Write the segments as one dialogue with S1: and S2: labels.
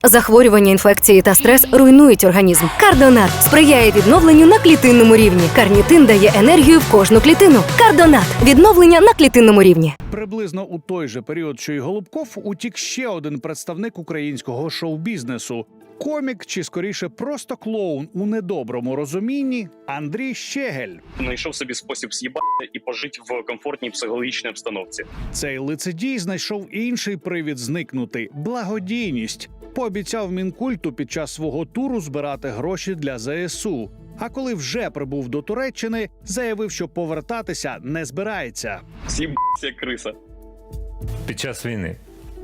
S1: Захворювання, інфекції та стрес руйнують організм. Кардонат сприяє відновленню на клітинному рівні. Карнітин дає енергію в кожну клітину. Кардонат – відновлення на клітинному рівні.
S2: Приблизно у той же період, що й Голубков, утік ще один представник українського шоу-бізнесу. Комік, чи скоріше просто клоун у недоброму розумінні – Андрій Щегель.
S3: Знайшов собі спосіб з'їбати і пожити в комфортній психологічній обстановці.
S2: Цей лицедій знайшов інший привід зникнути – благодійність. Пообіцяв Мінкульту під час свого туру збирати гроші для ЗСУ. А коли вже прибув до Туреччини, заявив, що повертатися не збирається.
S3: З'їбався як криса.
S4: Під час війни.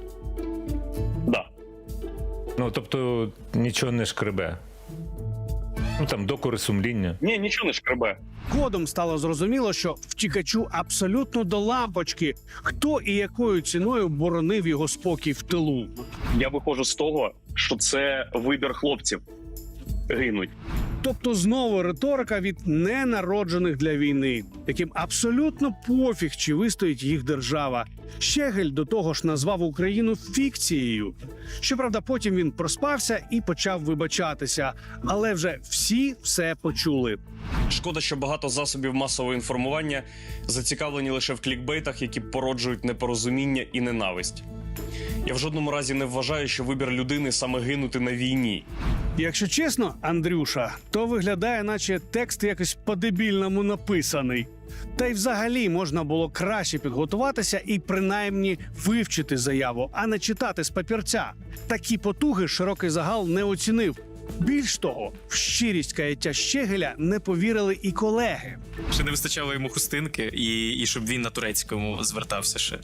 S3: Да.
S4: Ну, тобто, нічого не шкребе. Ну, там, докори сумління.
S3: Ні, нічого не шкребе.
S2: Згодом стало зрозуміло, що втікачу абсолютно до лампочки, хто і якою ціною боронив його спокій в тилу.
S3: Я виходжу з того, що це вибір хлопців. Гинуть.
S2: Тобто знову риторика від ненароджених для війни, яким абсолютно пофіг, чи вистоїть їх держава. Щегель до того ж назвав Україну фікцією. Щоправда, потім він проспався і почав вибачатися. Але вже всі все почули.
S5: Шкода, що багато засобів масового інформування зацікавлені лише в клікбейтах, які породжують непорозуміння і ненависть. Я в жодному разі не вважаю, що вибір людини саме гинути на війні.
S2: Якщо чесно, Андрюша, то виглядає, наче текст якось по-дебільному написаний. Та й взагалі можна було краще підготуватися і принаймні вивчити заяву, а не читати з папірця. Такі потуги широкий загал не оцінив. Більш того, в щирість каяття Щегеля не повірили і колеги.
S6: Ще не вистачало йому хустинки, і щоб він на турецькому звертався ще.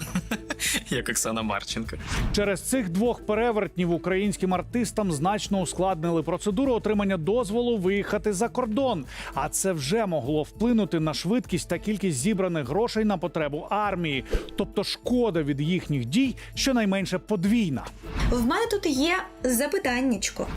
S6: Як Оксана Марченко.
S2: Через цих двох перевертнів українським артистам значно ускладнили процедуру отримання дозволу виїхати за кордон. А це вже могло вплинути на швидкість та кількість зібраних грошей на потребу армії. Тобто шкода від їхніх дій щонайменше подвійна.
S7: В мене тут є запитаннячко.